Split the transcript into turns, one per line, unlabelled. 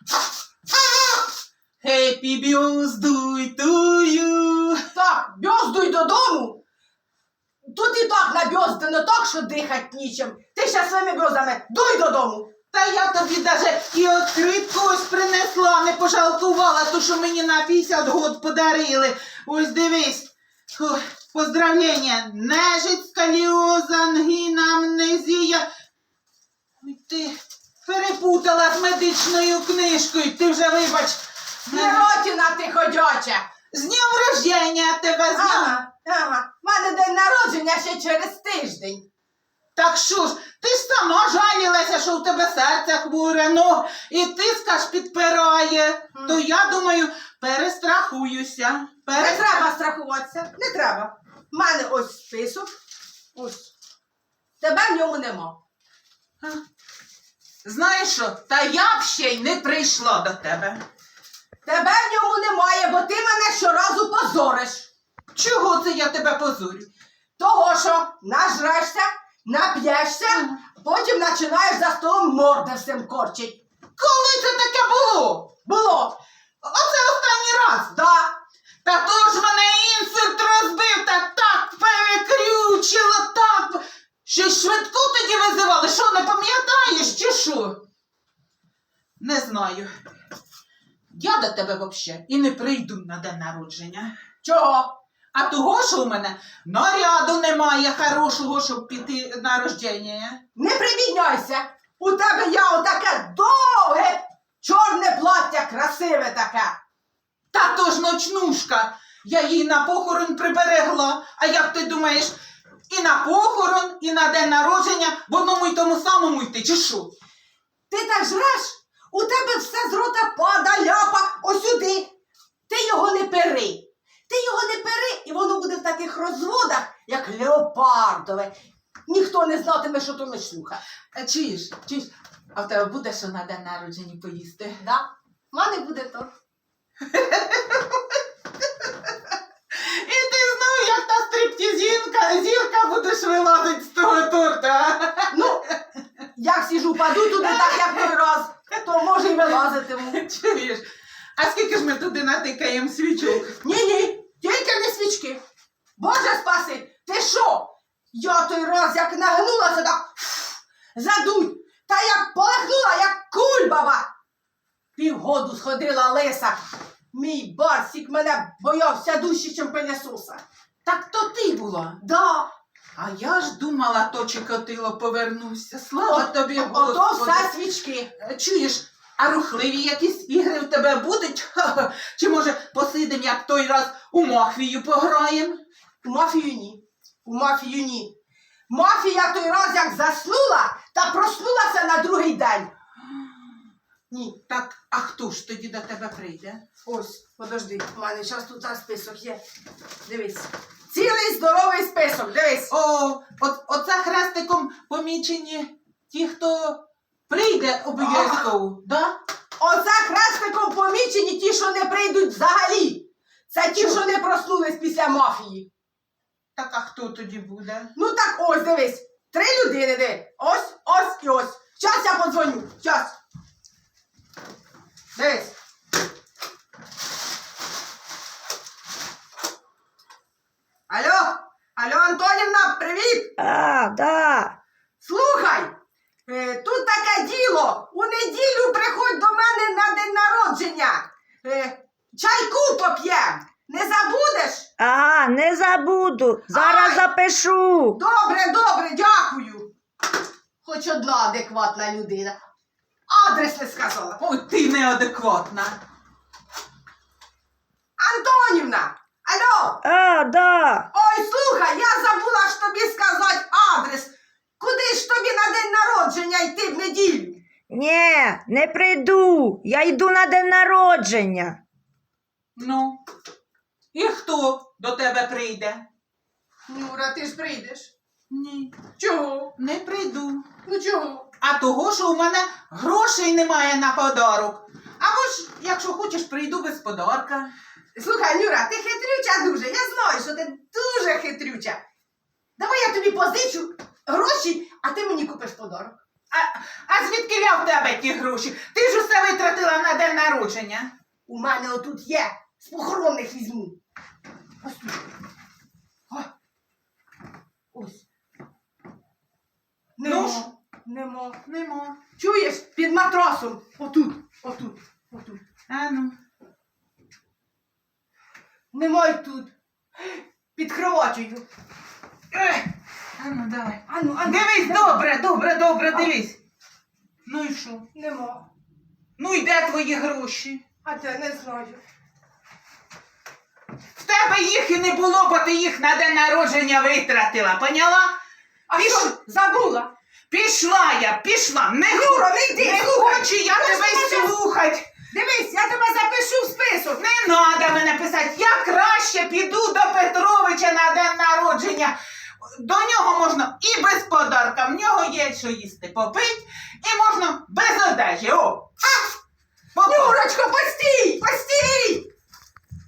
Happy birthday to you.
Так, бьоздуй додому. Тут і так набьоздано так, що дихать нічим. Ти ще своїми бьоздами дуй додому.
Та я тобі даже і откритку ось принесла, не пожалкувала, ту, що мені на 50 год подарили. Ось дивись. Фу, поздравлення. Нежить, сколіоза, ангіна, амнезія. Ой, ти перепутала з медичною книжкою. Ти вже, вибач.
Сиротіна ти ходяча.
З днем рождення тебе, з днем.
Ага. В мене день народження ще через тиждень.
Так що ж, ти ж сама жалілася, що у тебе серце хворе, ну, і тиск аж підпирає. То я думаю, перестрахуюся.
Не треба страхуватися, не треба. В мене ось список. Ось. Тебе в ньому нема.
Знаєш що, та я б ще й не прийшла до тебе.
Тебе в ньому немає, бо ти мене щоразу позориш.
Чого це я тебе позорю?
Того, що нажрешся, нап'єшся, потім починаєш за столом морди всім корчить.
Коли це таке було?
Було.
Оце останній раз.
Да.
Та то ж мене інсульт розбив, та так перекрючило, так. Що швидку тоді визивали? Що, не пам'ятаєш, чи що? Не знаю. Я до тебе взагалі і не прийду на день народження.
Чого?
А того, що у мене наряду немає хорошого, щоб піти на рождення.
Не прибідняйся. У тебе я отаке довге, чорне плаття, красиве таке.
Та то ж ночнушка. Я її на похорон приберегла. А як ти думаєш, і на похорон, і на день народження в одному й тому самому йти, чи що?
Ти так жреш? У тебе все з рота пада, ляпа, осюди. Ти його не пери. Ти його не пери, і воно буде в таких розводах, як леопардове. Ніхто не знатиме, що то ночнуха.
Чуєш, а в тебе буде що на день народження поїсти?
Да? В мене буде то.
І ти знов, як та зірка будеш вилазити з того торта.
Ну, як сіжу, паду туди так, як той раз, то може й вилазитиму.
Чуєш? А скільки ж ми туди натикаємо свічок?
Ні, тільки не свічки. Боже спаси, ти що? Я той раз як нагнулася, так задуть, та як полегнула, як кульбаба. Півгоду сходила лиса. Мій Барсік мене боявся дужче, чим пилісоса.
Так то ти була.
Да.
А я ж думала, то Чикатило повернувся. Слава тобі,
Ото
Господи.
все свічки.
Чуєш, а рухливі якісь ігри в тебе будуть? Ха-ха. Чи може посидим, як той раз у мафію пограємо?
У мафію ні. У мафію ні. Мафія той раз як заснула, та проснулася на другий день. Ні.
Так, а хто ж тоді до тебе прийде?
Ось, подожди, у мене зараз тут список є. Дивись. Цілий здоровий список, дивись.
Оце хрестиком помічені ті, хто прийде обов'язково, да?
Оце хрестиком помічені ті, що не прийдуть взагалі. Це ті, що не проснулись після мафії.
Так, а хто тоді буде?
Ну так ось, дивись. 3 людини, диви. Ось і ось. Щас я подзвоню. Щас. Дивись. Алло, Антонівна, привіт!
Да.
Слухай, тут таке діло. У неділю приходь до мене на день народження. Чайку поп'єм. Не забудеш?
Ага, не забуду. Зараз
Ай!
запишу.
Добре, дякую. Хоч одна адекватна людина. Адрес не сказала.
Ой, ти неадекватна.
Антонівна, алло.
Да.
Ой, слухай, я забула ж тобі сказати адрес. Куди ж тобі на день народження йти в неділю?
Ні, не прийду. Я йду на день народження.
Ну, і хто до тебе прийде?
Нюра, ти ж прийдеш.
Ні,
Чого?
не прийду.
Ну чого?
А того, що у мене грошей немає на подарок. Або ж, якщо хочеш, прийду без подарка.
Слухай, Нюра, ти хитрюча дуже. Я знаю, що ти дуже хитрюча. Давай я тобі позичу гроші, а ти мені купиш подарок.
А звідки я в тебе ті гроші? Ти ж усе витратила на день народження.
У мене отут є. З похоронних візьму. Ось тут. О. Ось.
Ну
Нема.
ж.
Нема.
Нема.
Чуєш? Під матрасом. Отут. Отут. Отут.
А ну.
Нема й тут. Під кроватю.
А ну, давай.
Ану,
Дивись, добре, дивись. Ну і що?
Нема.
Ну і де твої гроші?
А те не знаю.
В тебе їх і не було, бо ти їх на день народження витратила, поняла?
А
Піш-
що? Забула?
Пішла. Не,
Юра, не йди,
не
слухай.
хочу я
Ти ж
тебе
мене-
слухать.
Дивись, я тебе запишу в список.
Не треба мене писати. Я краще піду до Петровича на день народження. До нього можна і без подарка. В нього є що їсти попить, і можна без одежі. О,